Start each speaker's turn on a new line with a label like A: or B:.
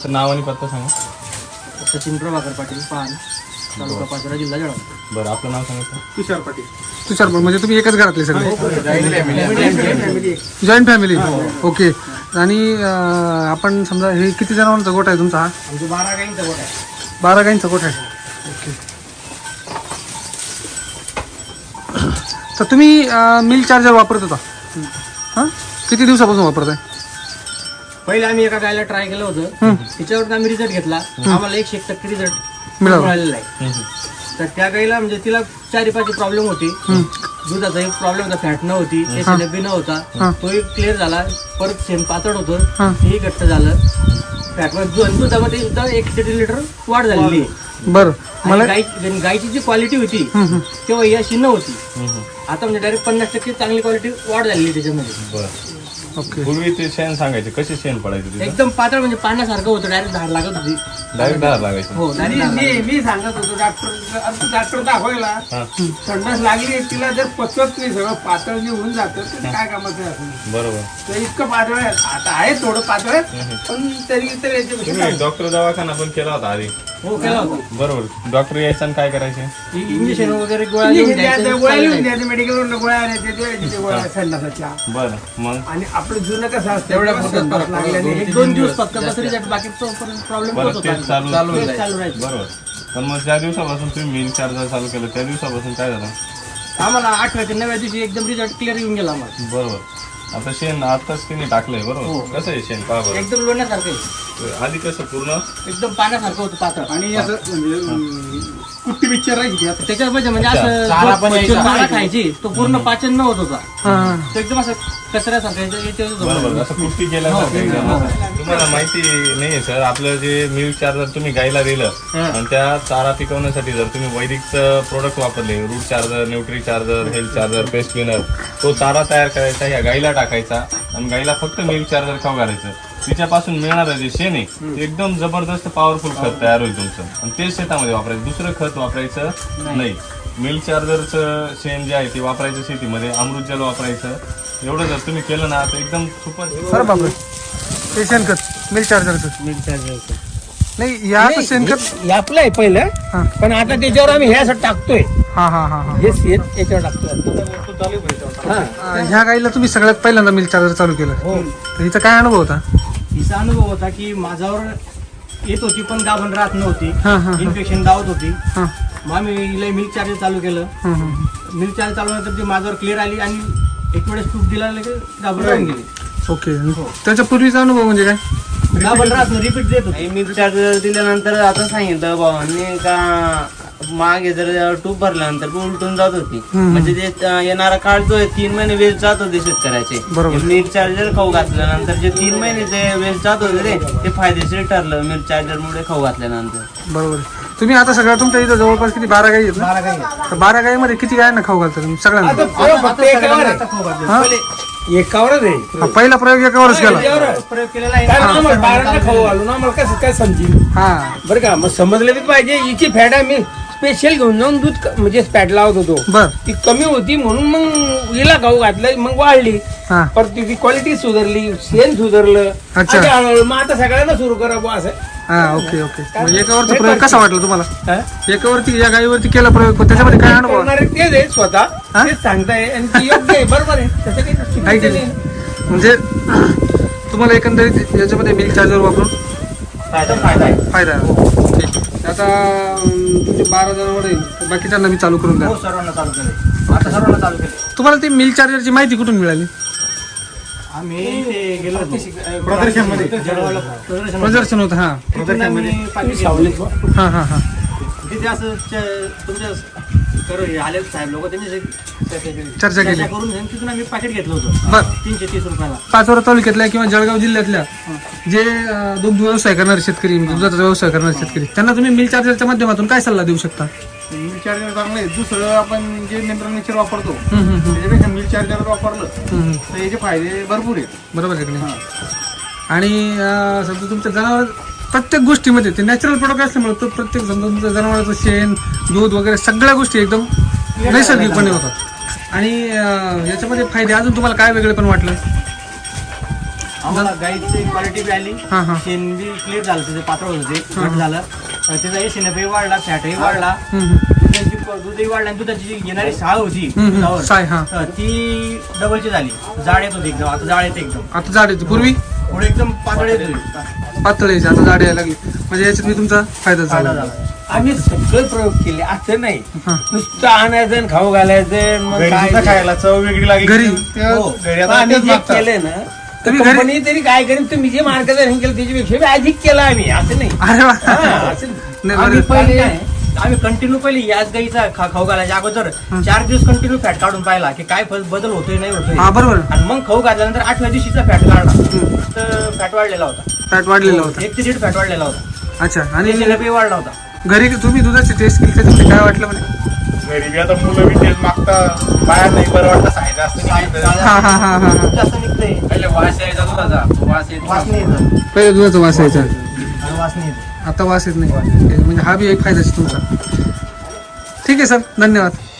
A: नाव आणि पत्ता सांगा.
B: सचिन प्रभाकर पाटील, पान, तालुका पाचोरा, जिल्हा जळगाव.
A: बरं, आपलं नाव सांगा.
C: तुषार पाटील.
D: तुषार पाटील म्हणजे तुम्ही एकच घरातले सगळे? Joint family. ओके. आणि आपण समजा हे किती जनावरांचा गोठा आहे तुमचा? हा
B: म्हणजे 12 गाईंचा गोठा आहे.
D: 12 गाईंचा गोठा आहे. ओके. तर तुम्ही मिल्क चार्जर वापरत होता? हां, किती दिवसापासून वापरताय?
B: पहिले आम्ही एका गायला ट्राय केलं होतं, त्याच्यावर आम्ही रिझल्ट घेतला. आम्हाला 100% रिझल्ट
D: मिळाला.
B: मिळालेला आहे. तर त्या गाईला म्हणजे तिला 4-5 प्रॉब्लेम होती. दुधाचा एक प्रॉब्लेम होता, फॅट न होती, एसएलएफबी न होता, तो एक क्लिअर झाला. परत शेण पातळ होतं, तेही घट्ट झालं. फॅटमध्ये दुधामध्ये सुद्धा 1 लिटर वाढ झालेली आहे.
D: बरं. मला
B: गायची जी क्वालिटी होती तेव्हा ही अशी नव्हती. आता म्हणजे डायरेक्ट 50% चांगली क्वालिटी वाढ झालेली त्याच्यामध्ये.
A: बरं.
D: ओके.
A: पूर्वी ते शेण सांगायचे, कशी शेण पडायचे?
B: एकदम पातळ म्हणजे पाण्यासारखं होतं, डायरेक्ट धार लागत होती.
A: डायरेक्ट धार लागायची.
B: हो,
C: मी सांगत होतो डॉक्टर दाखवायला, संडास लागली तिला जर पचत नाही, सगळं पातळ होऊन जातं, तर काय कामाचं आहे असं?
A: बरोबर.
C: तर इतकं पातळ आहे. आता आहे थोडं पातळ, पण तरी तर याच्यापेक्षा
A: डॉक्टर दवाखाना पण केला होता आधी?
B: हो, केला होता.
A: बरोबर. डॉक्टर यायचं आणि काय करायचे?
B: इंजेक्शन वगैरे गोळ्या लिहून द्यायचं.
C: गोळ्या लिहून द्यायचे, मेडिकलवरून गोळ्या आणायच्या, गोळ्या संडासाच्या.
A: बरं. मग
C: आणि आपलं जुनं कसं असतं,
B: तेवढ्या
C: संडास लागल्याने
B: 1-2 दिवस फक्त बस रिझल्ट, बाकी प्रॉब्लेम
A: बरं,
B: होत होता.
A: तेच चालू
B: चालू राहायचं.
A: बरोबर. पण मग ज्या दिवसापासून तुम्ही मिल्क चार्जर चालू केलं त्या दिवसापासून काय झालं?
B: आम्हाला 8व्या ते 9व्या दिवशी एकदम रिझल्ट क्लिअर येऊन गेला आम्हाला.
A: बरोबर. आता शेण आताच तिने टाकलंय. बरोबर. कसं आहे शेण? पहा बरं.
B: एकदम लोण्यासारखं आहे.
A: आधी कसं पूर्ण
B: एकदम पाण्यासारखं होतं पातळ.
C: आणि असं म्हणजे कुट्टी पिक्चर राहायची आता.
B: त्याच्यामध्ये म्हणजे असं जो चारा खायची तो पूर्ण पाचन न होत होता. तो एकदम असं कचऱ्यासारखं.
A: बरोबर. असं कुस्ती केल्यासारखं एकदम असं. तुम्हाला माहिती नाहीये सर, आपलं जे मिल्क चार्जर तुम्ही गायला दिलं आणि त्या चारा पिकवण्यासाठी जर तुम्ही वैदिकचं प्रोडक्ट वापरले, root charger, nutri charger, health charger, paste cleaner, तो चारा तयार करायचा, या गायला टाकायचा आणि गायला फक्त मिल्क चार्जर खाऊ घालायचं. तिच्यापासून मिळणारं जे शेण आहे ते एकदम जबरदस्त पॉवरफुल खत तयार होईल तुमचं, आणि तेच शेतामध्ये वापरायचं. दुसरं खत वापरायचं नाही. मिल्क चार्जरचं शेण जे आहे ते वापरायचं शेतीमध्ये, अमृत जल वापरायचं. एवढं जर तुम्ही केलं ना तर एकदम सुपर.
D: बरं बाबा, ते शेणखत मिल्क चार्जरचं नाही, या शेणखत
C: आपलं आहे पहिलं, पण आता त्याच्यावर आम्ही हे असं टाकतोय.
D: हा हा हा हा.
C: हे शेत याच्यावर टाकतोय.
D: ह्या गाईला तुम्ही सगळ्यात पहिल्यांदा मिल्क चार्जर चालू केलं, तर हिचा काय अनुभव होता?
B: हिचा अनुभव होता की माझ्यावर येत होती पण गाभण राहत नव्हती,
D: हा, हा, हा.
B: इन्फेक्शन दावत होती.
D: हा.
B: मग आम्ही हिला मिल्क चार्जर चालू केलं. मिल्क चार्जर चालू नंतर ती माझ्यावर क्लिअर आली आणि एक वेळेस तूप दिला गाभण राहून गेली.
D: ओके. त्याच्या पूर्वीचा अनुभव म्हणजे काय?
B: गाभण राहत रिपीट देत होती.
E: मिल्क चार्जर दिल्यानंतर आता सांगितलं भावांनी का मागे जर टूप भरल्यानंतर उलटून जात होती. म्हणजे ते येणारा काळ जो 3 महिने वेस्ट जात होते शेतकऱ्याचे. मिल्क चार्जर खाऊ घातल्यानंतर जे 3 महिने ते वेस्ट जात होते ते फायदेशीर ठरलं मिल्क चार्जर मुळे खाऊ घातल्यानंतर.
D: बरोबर. तुम्ही आता सगळ्या तुमच्या इथं जवळपास किती 12 गाई आहेत ना?
B: 12 गाई आहेत.
D: तर 12 गाईमध्ये किती गायांना खाऊ घालता तुम्ही? सगळ्यांना?
C: एकावरच आहे.
D: हा, पहिला प्रयोग एकावरच केला.
B: प्रयोग केलेला आहे.
C: कारण आम्हाला बाळांना खाऊ घालून आम्हाला कसं काय समजेल?
D: हा.
C: बरं का, मग समजलं बी पाहिजे. हिची फॅट आम्ही स्पेशल घेऊन जाऊन दूध म्हणजे फॅट लावत होतो.
D: बर.
C: ती कमी होती म्हणून मग हिला खाऊ घातलं, मग वाढली.
D: हा.
C: परत तिची क्वालिटी सुधारली, शेण सुधारलं.
D: अच्छा.
C: आणि हळूहळू मग आता सगळ्यांना सुरू करा बुवा असं.
D: हा. Okay okay. मग एकावरचा प्रयोग कसा वाटला तुम्हाला?
C: हा?
D: एकावरती, या गाईवरती केला प्रयोग, पण त्याच्यामध्ये काय अनुभव?
C: करणारे तेच आहे स्वतः,
D: हा?
C: तेच सांगताय आणि ती योग्य आहे, बरोबर आहे. तसं काही चुकीचं
D: आहे की
C: नाही.
D: नाही? म्हणजे तुम्हाला एकंदरीत याच्यामध्ये मिल्क चार्जर वापरून
B: फायदा आहे.
D: फायदा आहे. ठीक. आता तुमचे 12 जनावर आहे, तर बाकीच्यांना मी चालू करून द्या.
B: हो, सर्वांना चालू केले. आता सर्वांना चालू केले.
D: तुम्हाला ती मिल्क चार्जरची माहिती कुठून मिळाली?
B: आम्ही ते गेलो होतो
C: प्रदर्शनमध्ये.
B: जळगावला
D: प्रदर्शन होतं. हा
B: तिथून आम्ही पाकिट घेतलं.
D: हा हा हा.
B: तिथे असं तुमच्या आले साहेब लोक त्यांनी
D: चर्चा केली.
B: करून तिथून आम्ही पाकिट घेतलं होतं
D: बर.
B: 330 रुपयाला.
D: पाचोरा तालुक्यातल्या किंवा जळगाव जिल्ह्यातल्या जे दुग्ध व्यवसाय करणारे शेतकरी, दुधाचा व्यवसाय करणारे शेतकरी, त्यांना तुम्ही मिल्क चार्जरच्या माध्यमातून काय सल्ला देऊ शकता?
C: मिल्क चार्जर चांगलं आहे. दुसरं आपण जे नेचर वापरतो त्याच्यापेक्षा मिल्क चार्जर वापरलं तर याचे फायदे भरपूर आहेत.
D: बरोबर आहे की नाही? आणि समजा तुमच्या जनावर प्रत्येक गोष्टीमध्ये ते नॅचरल प्रोडक्ट असल्यामुळे तो प्रत्येक समजा तुमच्या जनावराचं शेण, दूध वगैरे सगळ्या गोष्टी एकदम नैसर्गिकपणे होतात. आणि याच्यामध्ये फायदे अजून तुम्हाला काय वेगळे पण वाटलं?
B: आम्हाला गाईची क्वालिटी बी आली,
D: हा हा
B: शेण बी क्लिअर झालं, त्याचे पातळ होते घट झालं, त्याचा एसिनपी वाढला, फॅटही वाढला, दुधाची दूधही वाढला, आणि दुधाची जी येणारी साळ होती दुधावर,
D: साय हा
B: ती डबलची झाली, जाड येत होती एकदम, आता जाड येते एकदम,
D: आता जाड येते, पूर्वी
B: पुढे एकदम पातळ येत होती,
D: पातळ यायची, आता जाड यायला लागली. म्हणजे याच्यात मी तुमचा फायदा
B: फायदा
D: झाला.
B: झाला.
C: आम्ही सगळे प्रयोग केले, असं नाही
D: हा.
C: नुसतं आणायचं आणि खाऊ घालायचं, मग
A: घरी
C: काय
A: सुद्धा खायला चव वेगळी लागली
D: घरी?
C: हो.
A: घरी
C: पण
A: आता
C: आम्ही
A: तेच
C: जे
A: मागतात.
C: केलंय ना,
D: तुम्ही घरी-
C: कंपनी तरी काय करेन, तुम्ही जे मार्गदर्शन केलं त्याच्यापेक्षा बी अधिक केलं आम्ही, असं नाही.
D: अरे वा.
C: हा, असं
D: नाही,
C: आम्ही
D: बरं.
C: पहिले
B: आम्ही कंटिन्यू पहिले याच गाईचा खाऊ घालायच्या अगोदर 4 दिवस कंटिन्यू फॅट काढून पाहिला की काय बदल होतोय नाही होतोय,
D: हा बरोबर,
B: आणि मग खाऊ घातल्यानंतर 8व्या दिवशीचा फॅट काढला तर फॅट वाढलेला होता,
D: फॅट वाढलेला होता.
B: 1 ते 1.5 फॅट वाढलेला होता,
D: अच्छा. आणि
B: एसिनपी वाढला होता.
D: घरी तुम्ही दुधाची टेस्ट केली त्याच्यामध्ये काय वाटलं म्हणे?
A: घरी बी आता मुलं बी तेच मागतात, बाहेर नाही बरं वाटतं, सायदा असतं निघायचं.
D: हा हा हा हा
B: खूप जास्त निघतंय,
C: पहिले वास यायचा दुधाचा, वास येत
B: वास नाही येत,
D: पहिले दुधाचा वास यायचा,
B: वास नाही येत.
D: आता वास येत नाही. म्हणजे हा बी एक फायदा आहे तुमचा. ठीक आहे सर, धन्यवाद.